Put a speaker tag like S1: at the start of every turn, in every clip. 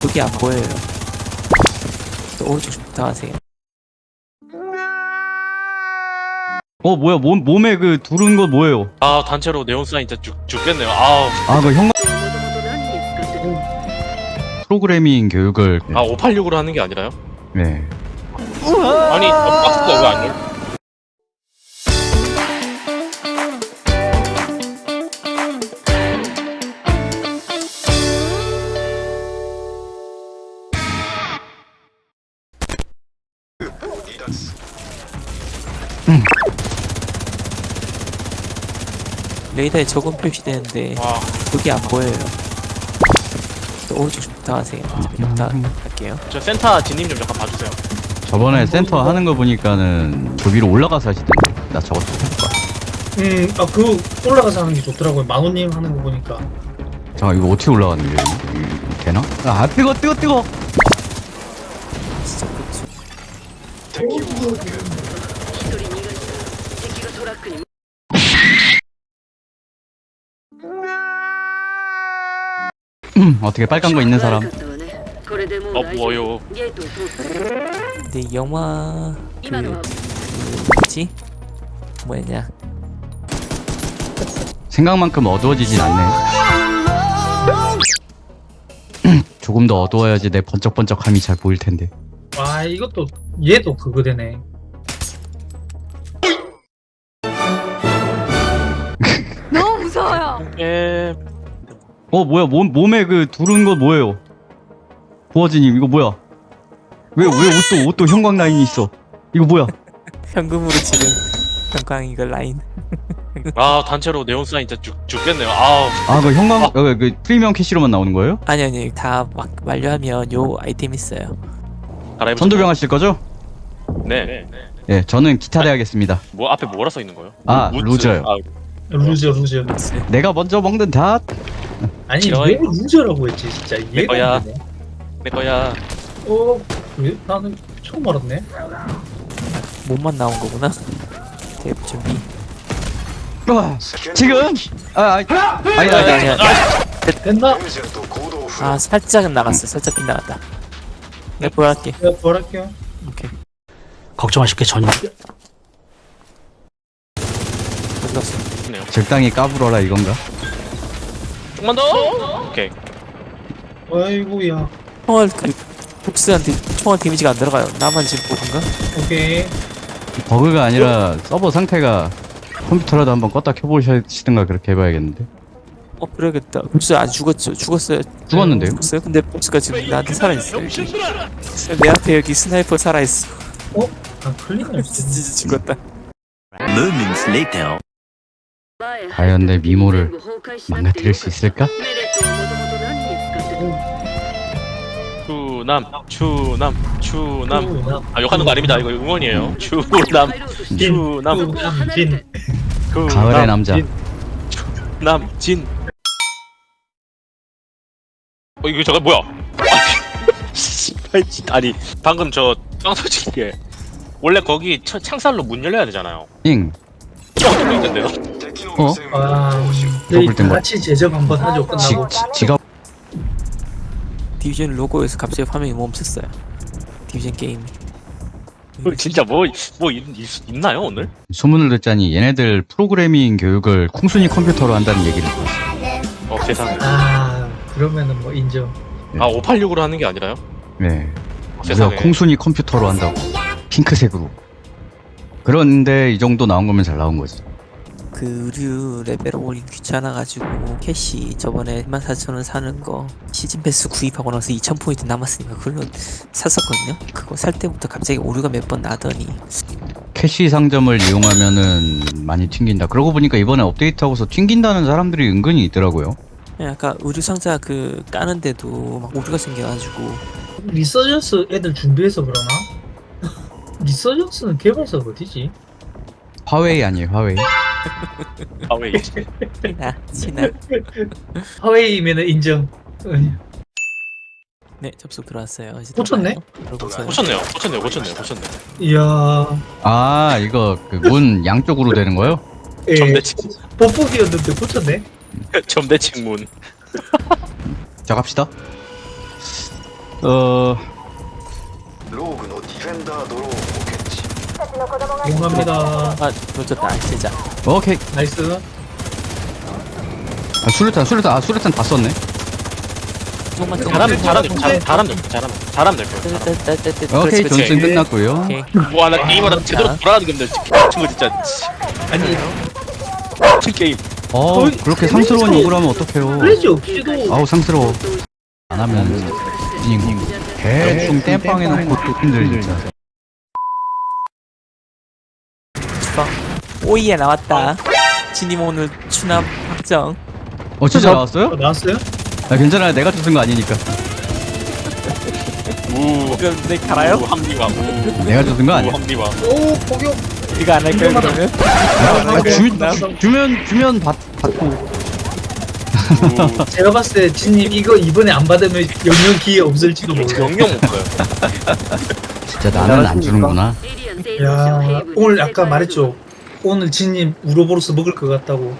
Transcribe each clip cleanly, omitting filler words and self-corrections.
S1: 여기 안 보여요. 또 오른쪽 좀 부탁하세요.
S2: 뭐야 몸에 그 두른 거 뭐예요?
S3: 아 단체로 네온 사인 진짜 죽겠네요. 아우.
S2: 그 형 프로그래밍 교육을
S3: 586으로 하는 게 아니라요?
S2: 네.
S3: 아니 박스가 왜 안 열?
S1: 레이더에 적은 표시되는데
S3: 와.
S1: 여기 안 보여요. 또 오른쪽 좀 부탁하세요. 저기 부탁할게요.
S3: 저 센터 진님 좀 잠깐 봐주세요.
S2: 저번에 센터 하는 거 보니까는 저 위로 올라가서 하시던데. 나 저것도 해볼까?
S4: 그거 올라가서 하는 게 좋더라고요. 만호님 하는 거 보니까.
S2: 잠깐 이거 어떻게 올라가는 거예요? 이거 되나? 뜨거.
S1: 진짜 그렇죠.
S2: 어떻게 빨간 거 있는 사람?
S3: 뭐요?
S1: 근데 영화 뭐지? 뭐였냐?
S2: 생각만큼 어두워지진 않네. 조금 더 어두워야지 내 번쩍번쩍함이 잘 보일 텐데.
S4: 와, 이것도 얘도 그거 되네.
S5: 너무 무서워요.
S3: 예.
S2: 뭐야 몸에 그 두른 거 뭐예요? 보아지님 이거 뭐야? 왜 옷도 형광 라인이 있어? 이거 뭐야?
S1: 현금으로 지금 형광 이거 라인.
S3: 아 단체로 네온 사인 진짜 죽겠네요. 아우.
S2: 그 형광 그 프리미엄 캐시로만 나오는 거예요?
S1: 아니 다 막 완료하면 요 아이템 있어요.
S3: 갈아입으세요.
S2: 선두병 하실 거죠?
S3: 네.
S2: 예, 저는 기타 대하겠습니다.
S3: 뭐 앞에 뭐라 써 있는 거예요?
S2: 아, 루저요.
S4: 루저.
S2: 내가 먼저 먹는 닷.
S4: 아니,
S3: 싫어요.
S4: 왜 루저라고 했지, 진짜.
S3: 내 거야.
S4: 이해가 안 되네.
S3: 내 거야.
S4: 왜? 나는 처음 알았네.
S1: 몸만 나온 거구나. 대부 준비.
S2: 지금? 아니.
S1: 아니야.
S4: 됐나?
S1: 아 살짝은 나갔어. 살짝 빗나갔다. 내가 보여할게.
S4: 내가 부활할게요.
S1: 오케이.
S6: 걱정하실 게 전혀
S1: 끝났어.
S3: 네요.
S2: 적당히 까불어라 이건가?
S3: 조금만 더. 오케이.
S4: 아이고야.
S1: 총알 그 복스한테 총알 데미지가 안 들어가요. 나만 지금 보던가?
S4: 오케이.
S2: 버그가 아니라 서버 상태가 컴퓨터라도 한번 껐다 켜보시든가 그렇게 해봐야겠는데.
S1: 그래야겠다. 복스 안 죽었죠? 죽었어요.
S2: 죽었는데요?
S1: 죽었어요? 근데 복스가 지금 나한테 살아있어요. 여기. 내 앞에 여기 스나이퍼 살아있어.
S4: 클릭을
S1: 진짜 죽었다.
S6: Moments later.
S2: 과연 내 미모를 망가뜨릴 수 있을까?
S3: 추남. 욕하는 거 아닙니다. 이거 응원이에요. 추남.
S4: 진.
S2: 가을의 남자.
S3: 진. 이거 저거 뭐야? 아니 방금 저 깡소지게 원래 거기 창살로 문 열려야 되잖아요.
S2: 잉.
S3: 뚫려 있는데요?
S4: 저희
S2: 땐 뭐-
S4: 같이 제작 한번 하죠, 끝나고.
S2: 지가
S1: 디비전 로고에서 갑자기 화면이 멈췄어요. 디비전 게임이.
S3: 진짜 뭐 있나요 오늘?
S2: 소문을 듣자니 얘네들 프로그래밍 교육을 콩순이 컴퓨터로 한다는 얘기를 들었어요.
S3: 세상에.
S4: 그러면은 뭐 인정.
S3: 586으로 하는 게 아니라요?
S2: 네.
S3: 세상에.
S2: 무려 콩순이 컴퓨터로 한다고. 핑크색으로. 그런데 이 정도 나온 거면 잘 나온 거지.
S1: 그 의류 레벨 올리기 귀찮아가지고 캐시 저번에 14,000원 사는 거 시즌 패스 구입하고 나서 2,000포인트 남았으니까 그걸로 샀었거든요. 그거 살 때부터 갑자기 오류가 몇 번 나더니
S2: 캐시 상점을 이용하면은 많이 튕긴다. 그러고 보니까 이번에 업데이트하고서 튕긴다는 사람들이 은근히 있더라고요.
S1: 아까 의류 상자 그 까는데도 막 오류가 생겨가지고
S4: 리서전스 애들 준비해서 그러나? 리서전스는 개발사 어디지?
S2: 화웨이 아니에요, 화웨이.
S3: 왜
S1: 친하
S4: 하웨이면은 인정.
S1: 네 접속 들어왔어요. 이제
S4: 고쳤네?
S1: 들어가요.
S3: 고쳤네요.
S4: 이야.
S2: 이거 그 문 양쪽으로 되는 거요?
S4: 예.
S3: 점대칭.
S4: 뽀뽀기였는데 고쳤네?
S3: 점대칭 문.
S2: 자, 갑시다.
S4: 용합니다.
S1: 아 놓쳤다. 진짜.
S2: 오케이.
S4: 나이스.
S2: 아, 수류탄 다 썼네.
S1: 조금만
S3: 잘하면 될 거야.
S2: 오케이,
S1: 그렇지.
S2: 전승 끝났고요.
S1: 오케이.
S3: 와나 게임하다 제대로 돌아가는 게 없네. 친구 진짜.
S4: 아니
S3: 미친 게임.
S2: 그렇게 상스러운 욕을 하면 어떡해요.
S4: 플래시 없이도
S2: 아우, 상스러워. 안 하면, 대충 땜빵 해놓고 또 힘들, 진짜.
S1: 주방. 오이에 나왔다. 진님 오늘 추납 확정.
S2: 진짜 나왔어요?
S4: 나왔어요?
S2: 아, 괜찮아요. 내가 줬은 거 아니니까.
S1: 그럼 내 갈아요?
S3: 합리화.
S2: 내가 줬은 거 아니야.
S3: 합리화.
S4: 오 포격.
S1: 이거 안 할까요 그러면?
S2: 주면 받고.
S4: 제가 봤을 때 진님 이거 이번에 안 받으면 영영 기회 없을지도 몰라요.
S3: 영영 못 가요.
S2: 진짜 나는 안 주는구나.
S4: 야 오늘 아까 말했죠. 오늘 진님 우로보로스 먹을 것 같다고.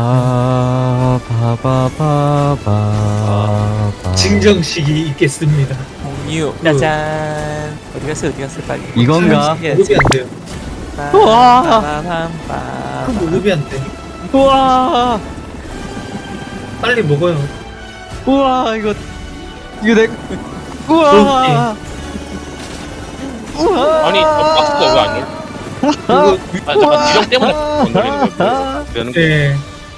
S4: 증정식이 있겠습니다.
S1: 공유. 짜잔. 어디 갔어 빨리.
S2: 이건가?
S4: 무릎이 안 돼요.
S1: 우와.
S4: 그 무릎이 안 돼.
S2: 우와,
S4: 빨리 먹어요.
S2: 우와, 이거 내, 우와, 우와.
S3: 아니 박스가 왜 안 열려?
S4: 이거
S3: 잠깐 지령 때문에 안 열리는 거야. 되는 거.
S4: 네.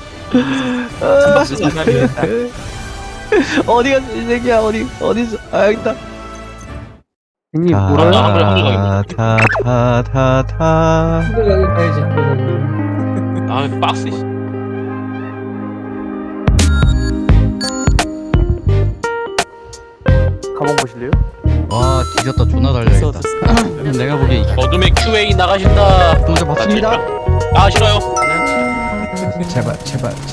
S1: 박스 안 되겠다.
S2: 어디 갔어, 이 새끼야, 어디서, 아, 여기 있다.
S7: 형님
S3: 나
S7: 뭐라?
S3: 한글
S2: 타타타타.
S4: 한글가게 가야지.
S3: 아 박스.
S7: 가방 보실래요?
S2: 와, 뒤졌다. 존나 달려야겠다. 내가 보기에 이게
S3: 어둠의 QA 나가신다.
S2: 먼저 받습니다.
S3: 아 싫어요.
S2: 제발